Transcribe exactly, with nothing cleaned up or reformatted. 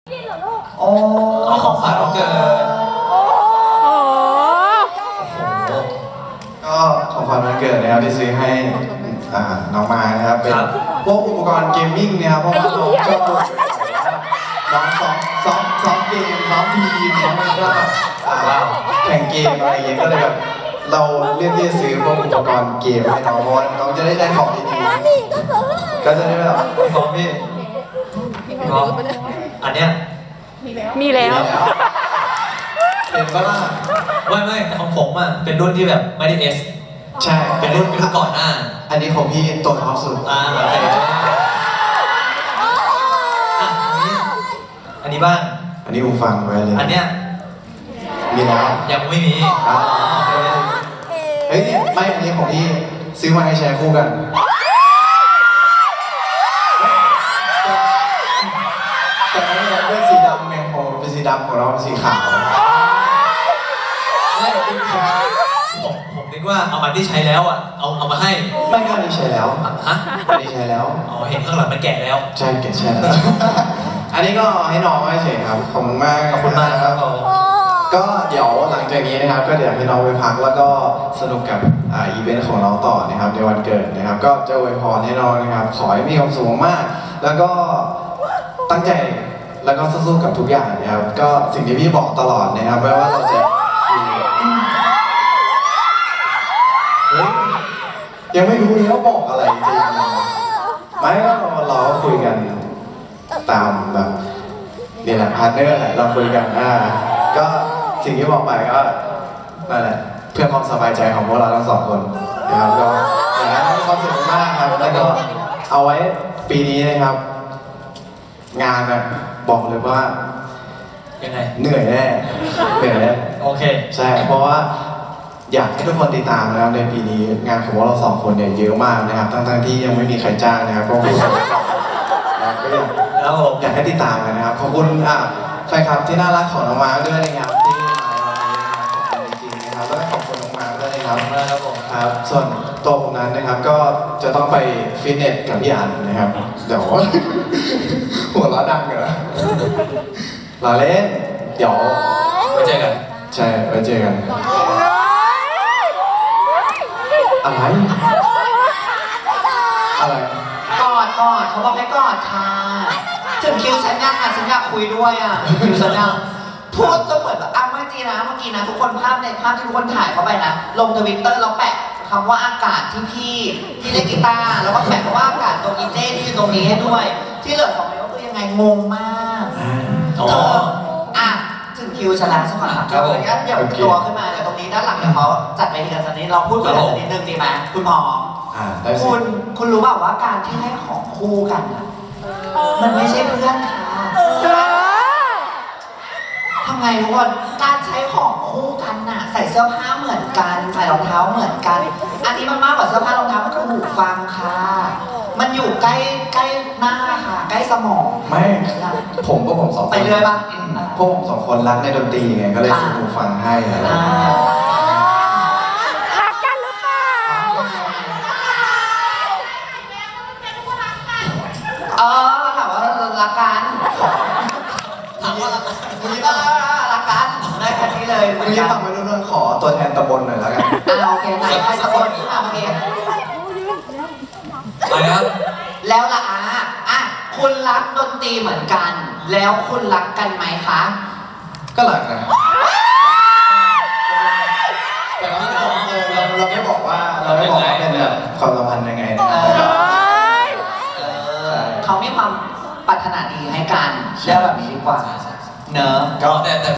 โอ้ของขวัญวันเกิดก็ของขวัญวันเกิดนะครับที่ซื้อให้น้องมานะครับเป็นพวกอุปกรณ์เกมมิ่งนะครับเพราะว่าน้องชอบน้องซ้อมซ้อมซ้อมเกมซ้อมทีมน้องมันก็แข่งเกมอะไรอย่างเงี้ยก็เลยแบบเราเลือกที่จะซื้อพวกอุปกรณ์เกมให้น้องเพราะว่าน้องจะได้ได้ของดีๆก็จะได้แบบของพี่ก็อันเนี้ยมีแล้วเห็นปะล่ะไม่ไม่ของผมอ่ะเป็นรุ่นที่แบบไม่ได้เอสใช่เป็นรุ่นเป็นรุ่นก่อนหน้าอันนี้ของพี่ตัวท็อปสุดอ่าโอเคอันนี้บ้างอันนี้อูฟังไว้เลยอันเนี้ยมีแล้วยังไม่มีเฮ้ยไม่อันนี้ของพี่ซื้อมาให้แชร์คู่กันแต่ไม่ได้เป็นสีดำไงของเป็นสีดำของเราเป็นสีขาวไม่ผมผมนึกว่าเอามาที่ใช้แล้วอ่ะเอาเอามาให้ไม่ก็อันนี้ใช้แล้วฮะอันนี้ใช้แล้วอ๋อเห็นข้างหลังมันแก่แล้วใช่แก่ใช่แล้วอันนี้ก็ให้น้องให้เฉยครับขอบคุณมากขอบคุณมากครับก็เดี๋ยวหลังจากนี้นะครับก็เดี๋ยวให้น้องไปพักแล้วก็สนุกกับอ่าอีเวนต์ของน้องต่อนะครับในวันเกิดนะครับก็จะอวยพรให้น้องนะครับขอให้มีความสุขมากแล้วก็ตั้งใจแล้วก็สู้ๆกับทุกอย่างนะครับก็สิ่งที่พี่บอกตลอดนะครับไม่ว่าเราจะยังไม่รู้เลยว่าบอกอะไรจริงไม่ก็เราคุยกันตามแบบนี่แหละพาร์ทเนอร์แหละเราคุยกันอ่าก็สิ่งที่บอกไปก็นั่นแหละเพื่อความสบายใจของพวกเราทั้งสองคนนะครับก็อย่างนั้นมีความสุขมากครับแล้วก็เอาไว้ปีนี้นะครับงานนะบอกเลยว่ายังไงเหนื่อยแน่เหนื่อยแน่โอเคใช่เพราะว่าอยากให้ทุกคนติดตามนะครับในปีนี้งานของพวกเราสองคนเนี่ยเยอะมากนะครับทั้งๆที่ยังไม่มีใครจ้างนะครับก็พูดก็แล้วอยากให้ติดตามกันนะครับขอบคุณอ่ะแฟนคลับที่น่ารักของน้องมาด้วยนะครับที่มาในวันนี้นะครับขอบคุณจริงๆนะครับแล้วก็ขอบคุณน้องมาด้วยนะครับครับผมครับส่วนตัวผมนั้นนะครับก็จะต้องไปฟิตเนสกับพี่อันนะครับเดี๋ยวหัวเราะดังเหรอลาเล่นเดี๋ยวไปเจอกันใช่ไปเจอกันอะไรอะไรกอดกอดเขาบอกให้กอดค่ะถึงคิวฉันยังอ่ะฉันอยากคุยด้วยอ่ะคิวฉันยังพูดจะเหมือนแบบอ้าวเมื่อกี้นะเมื่อกี้นะทุกคนภาพในภาพที่ทุกคนถ่ายเข้าไปนะลงทวิตเตอร์แล้วแปะคำว่าอากาศที่พี่ที่เล่นกีตาร์แล้วก็แปะคำว่าอากาศตรงอีเจ้ที่อยู่ตรงนี้ให้ด้วยที่เหลือของเมย์ก็คือยังไงงงมากอ๋ออ่ะถึงคิวฉันแล้วใช่ไหมครับเดี๋ยวเดี๋ยวตัวขึ้นมาเดี๋ยวตรงนี้ด้านหลังเดี๋ยวเขาจัดไปทีละสักนิดเราพูดกันสักนิดนึงดีไหมคุณหมอคุณคุณรู้เปล่าว่าการที่ให้ของคู่กันอ่ะมันไม่ใช่เพื่อนค่ะทำไงทุกคนการใช้ของคู่กันน่ะใส่เสื้อผ้าเหมือนกันใส่รองเท้าเหมือนกันอันนี้มันมากกว่าเสื้อผ้ารองเท้ามันคือหูฟังค่ะมันอยู่ใกล้ใกล้หน้าค่ะใกล้สมองไม่ผมก็ผมสองคนไปเรื่อยปะพวกผมสองคนรักในดนตรีไงก็เลยซื้อหูฟังให้อะไรรักกันหรือเปล่าเออถามว่ารักกันถามว่ารักกันคุณยิ่งรักกันได้แค่นี้เลยคุณยิ่งฟังไม่รู้เรื่องขอตัวแทนตำบลหน่อยแล้วกันอ่าโอเคไหนใครตำบลนี้มาเมื่อกี้อะไรครับแล้วล่ะอ่ะอ่ะคุณรักดนตรีเหมือนกันแล้วคุณรักกันไหมคะก็รักนะแต่เราไม่บอกเราเราไม่บอกว่าเราไม่บอกว่าเป็นแบบความสัมพันธ์ยังไงเขามีความปรารถนาดีให้กันเชื่อแบบนี้ดีกว่าเนอะก็แต่